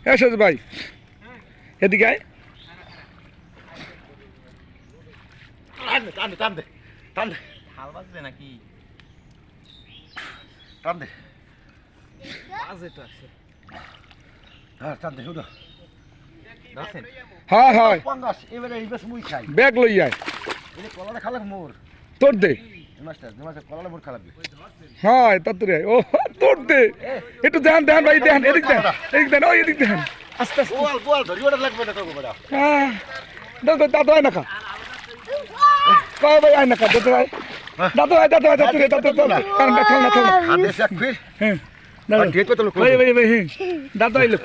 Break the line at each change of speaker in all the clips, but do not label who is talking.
সাজ ভাই এদিকে আয়
টান দে টান দে টান দে
হাল বাজবে নাকি
টান দে
বাজে তো আছে
হ্যাঁ টান দে হুদা
দেখেন
হ্যাঁ হয়
পঙ্গাস এবারে এই বেশ মুই খাই
ব্যাগ লই আয়
এই কলাটা খালে মোর
তোর দে
মাস্টার কলাটা মোর খালাবি
হ্যাঁ তাড়াতাড়ি আয় ও তোর দে একটু দেন দেন ভাই দেন এদিক দেন ওই এদিক দেন আস্তে আস্তে
গোয়াল ধরি ওটা লাগবে না তোকে বড়া
হ্যাঁ দাদু দাদু আয় না খা কয় ভাই আয় না খা দাদু আয় দাদু কারণটা থাল না
আদেশ এক ফির
হ্যাঁ
আর ডেট কত লোক
ভাই হ্যাঁ দাদু আইলো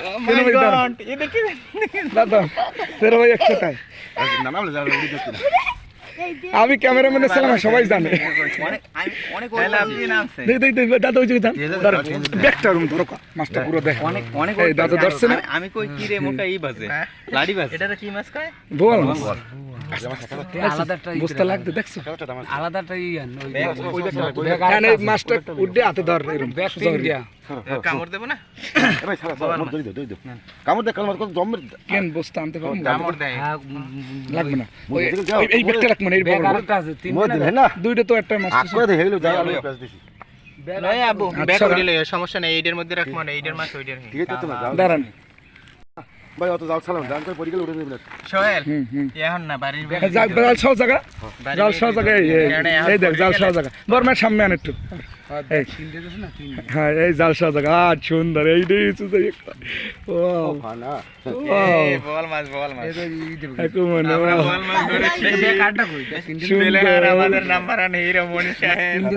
দাদু তেরো ভাই একসাথে আয়
না না বলে যাও উড়ি দেখতে না
আমি ক্যামেরাম্যানের ছিলাম সবাই জানে
অনেক আপনি নামছে
দেই দাদু ওই জায়গায় ব্যাগটা রুম ধরো মাছটা পুরো দেখ
অনেক
এই দাদু ধরছে না
আমি কই কি রে মোটা এই বাজে লাড়ি বাজে এটা কি মাছ কয়
বল
আলাদাটা
বুঝতে লাগতে দেখছো
আলাদাটা ইয়ান
কেন এই মাছটা উঠে হাতে ধর এরকম
ব্যাক ইন্ডিয়া
কামড় দেব না
এ ভাই সারা মোর ধরি দে কামড় দে কামড় কত জম
কেন বসতে আনতে পারবো
কামড় দেয়
লাগবে না এই ব্যাগটা রাখবেন এই
ব্যাগ
বড়
আলাদা আছে তিন
মোর দিলে না
দুইটা তো একটা মাছ
আক করে দে হেলো যাই আলো প্যাস দিছি
লয় আবু ব্যাগ
আচ্ছা।
করে লয় সমস্যা নাই এইটার মধ্যে রাখবো না এইটার মাছ ওইটার
ঠিক আছে তো না যাও
দাঁড়ান
ভাই অত যাও সালাম জান করে পরিগেল উঠে দিবেন
সোহেল
হুম
এখন না বাড়ির
জাল সব জায়গা জাল সব জায়গা এই দেখ জাল সব জায়গা বর্মার সামনে আন একটু এই হ্যাঁ এই জাল সব জায়গা আর সুন্দর এই ও
ফানা
বল মাছ
একটু মনে
বল মাছ ধরে
ব্যাগ কাটটা কই
আমাদের নাম্বার আন হিরো মনি সাহেব